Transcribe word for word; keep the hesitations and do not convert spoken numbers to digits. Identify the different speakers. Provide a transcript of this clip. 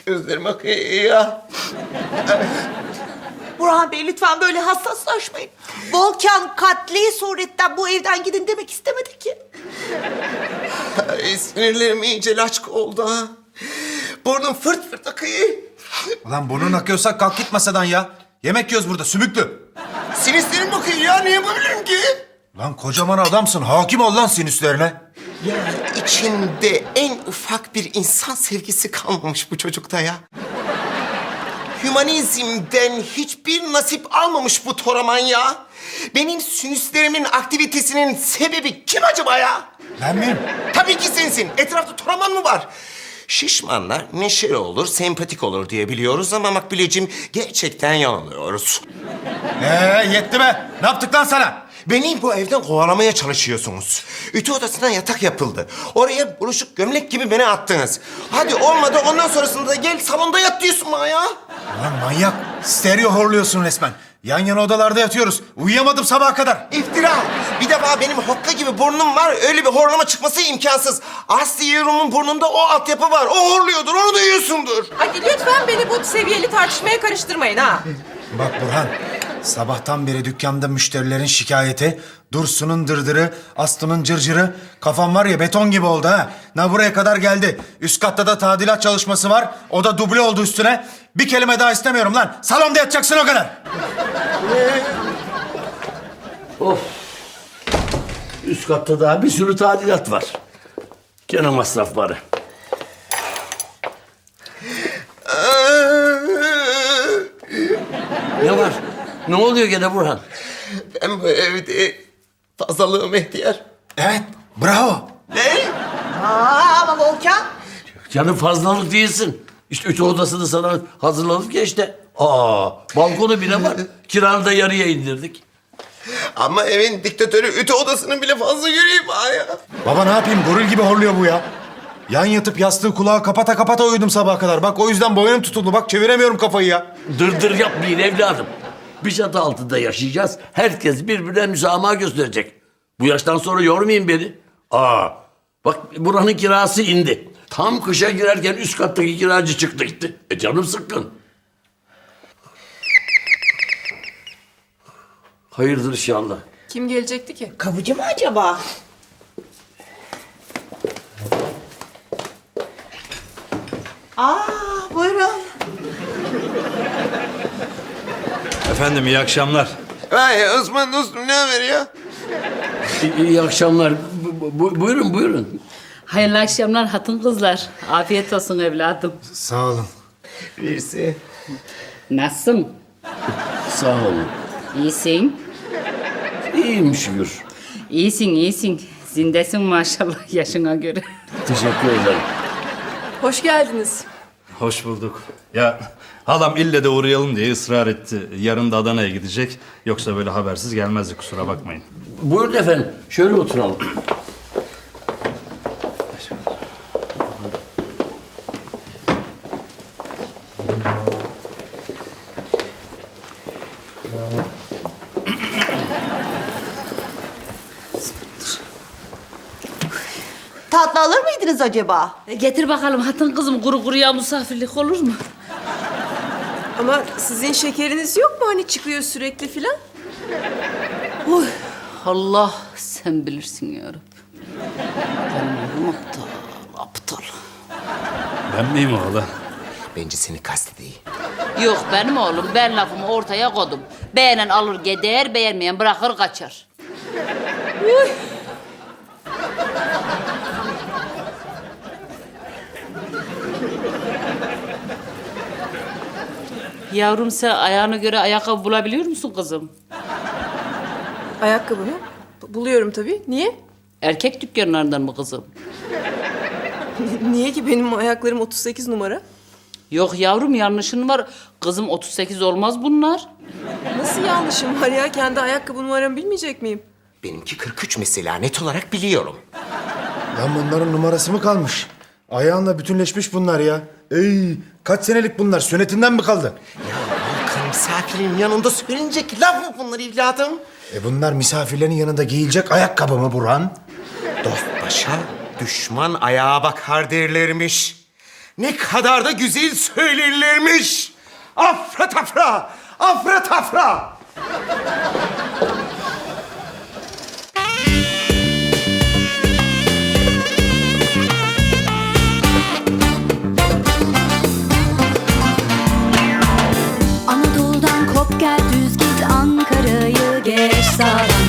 Speaker 1: Gözlerim akıyor ya.
Speaker 2: Burhan Bey lütfen böyle hassaslaşmayın. Volkan katli suretten bu evden gidin demek istemedi ki.
Speaker 1: Ay, sinirlerim iyice laçka oldu ha. Burnum fırt fırt akıyor.
Speaker 3: Ulan burnun akıyorsa kalk git masadan ya. Yemek yiyoruz burada sümüklü.
Speaker 1: Sinüslerim bakıyor ya, niye yapabilirim ki?
Speaker 3: Lan kocaman adamsın. Hakim ol lan sinüslerine.
Speaker 1: Ya içinde en ufak bir insan sevgisi kalmamış bu çocukta ya. Hümanizmden hiçbir nasip almamış bu Toraman ya. Benim sinüslerimin aktivitesinin sebebi kim acaba ya?
Speaker 3: Ben miyim?
Speaker 1: Tabii ki sensin. Etrafta Toraman mı var? Şişmanlar neşeli olur, sempatik olur diye biliyoruz ama Makbuleciğim gerçekten yanılıyoruz.
Speaker 3: Ee yetti be. Ne yaptık lan sana?
Speaker 1: Beni bu evden kovalamaya çalışıyorsunuz. Ütü odasına yatak yapıldı. Oraya buruşuk gömlek gibi beni attınız. Hadi olmadı, ondan sonrasında da gel salonda yat diyorsun bana ya.
Speaker 3: Ulan manyak. Stereo horluyorsun resmen. Yan yana odalarda yatıyoruz. Uyuyamadım sabaha kadar.
Speaker 1: İftira. Bir defa benim hokka gibi burnum var. Öyle bir horlama çıkması imkansız. Aslı Yerum'un burnunda o altyapı var. O horluyordur, onu duyuyorsundur.
Speaker 4: Hadi lütfen beni bu seviyeli tartışmaya karıştırmayın ha.
Speaker 3: Bak Burhan. Sabahtan beri dükkanda müşterilerin şikayeti, Dursun'un dırdırı, Aslı'nın cırcırı. Kafam var ya beton gibi oldu ha. Na buraya kadar geldi. Üst katta da tadilat çalışması var. O da duble oldu üstüne. Bir kelime daha istemiyorum lan. Salonda yatacaksın o kadar.
Speaker 5: Of. Üst katta daha bir sürü tadilat var. Gene masrafları. Ne var? Ne oluyor gene Burhan?
Speaker 1: Ben bu evde fazlalığım ihtiyar.
Speaker 3: Evet, bravo.
Speaker 1: Ne?
Speaker 2: Aa, ama Volkan.
Speaker 5: Canım fazlalık değilsin. İşte ütü odasını sana hazırladık ya işte. Aa, balkonu bile var. Kiranı da yarıya indirdik.
Speaker 1: Ama evin diktatörü ütü odasını bile fazla göreyim ha ya.
Speaker 3: Baba ne yapayım? Goril gibi horluyor bu ya. Yan yatıp yastığı kulağı kapata kapata uyudum sabaha kadar. Bak o yüzden boynum tutuldu. Bak çeviremiyorum kafayı ya.
Speaker 5: Dırdır yapmayın evladım. Bir çatı altında yaşayacağız. Herkes birbirine müsamaha gösterecek. Bu yaştan sonra yormayın beni. Aa, bak buranın kirası indi. Tam kışa girerken üst kattaki kiracı çıktı gitti. E canım sıkkın. Hayırdır inşallah.
Speaker 4: Kim gelecekti ki?
Speaker 2: Kapıcı mı acaba? Aa, buyurun.
Speaker 6: Efendim iyi akşamlar.
Speaker 1: Vay Osman dostum, ne haber ya?
Speaker 5: İyi, iyi akşamlar. Bu- bu- buyurun buyurun.
Speaker 7: Hayırlı akşamlar hatun kızlar. Afiyet olsun evladım.
Speaker 3: Sağ olun.
Speaker 1: Birisi.
Speaker 7: Nasılsın?
Speaker 5: Sağ olun.
Speaker 7: İyisin.
Speaker 5: İyiyim şükür.
Speaker 7: İyisin, iyisin. Zindesin maşallah yaşına göre.
Speaker 5: Teşekkür ederim.
Speaker 4: Hoş geldiniz.
Speaker 6: Hoş bulduk. Ya halam ille de uğrayalım diye ısrar etti. Yarın da Adana'ya gidecek. Yoksa böyle habersiz gelmezdi, kusura bakmayın.
Speaker 5: Buyurun efendim. Şöyle oturalım.
Speaker 2: Tatlı alır mıydınız acaba?
Speaker 7: E, getir bakalım hatun kızım kuru kuruya misafirlik olur mu?
Speaker 4: Ama sizin şekeriniz yok mu hani çıkıyor sürekli filan?
Speaker 7: Uy, Allah sen bilirsin ya Rabbi. Ben oğlum aptal, aptal.
Speaker 6: Ben miyim orada?
Speaker 1: Bence seni kastediyor.
Speaker 7: Yok benim oğlum ben lafımı ortaya koydum. Beğenen alır gider, beğenmeyen bırakır kaçar. Yavrum sen ayağına göre ayakkabı bulabiliyor musun kızım?
Speaker 4: Ayakkabı mı? B- Buluyorum tabii. Niye?
Speaker 7: Erkek dükkanlarından mı kızım?
Speaker 4: Niye ki benim ayaklarım otuz sekiz numara?
Speaker 7: Yok yavrum yanlışın var. Kızım otuz sekiz olmaz bunlar.
Speaker 4: Nasıl yanlışım var ya? Kendi ayakkabı numaramı bilmeyecek miyim?
Speaker 1: Benimki kırk üç mesela, net olarak biliyorum.
Speaker 3: Lan bunların numarası mı kalmış? Ayağınla bütünleşmiş bunlar ya. Ey, kaç senelik bunlar? Sünnetinden mi kaldı?
Speaker 1: Ya Volkan, misafirin yanında söylenecek laf mı bunlar evladım?
Speaker 3: E bunlar misafirlerin yanında giyilecek ayakkabı mı Burhan?
Speaker 1: Dost başa, düşman ayağa bakar derlermiş. Ne kadar da güzel söylerlermiş. Afra tafra, afra tafra.
Speaker 8: Anadolu'dan kop gel düz git, Ankara'yı geç sağdan.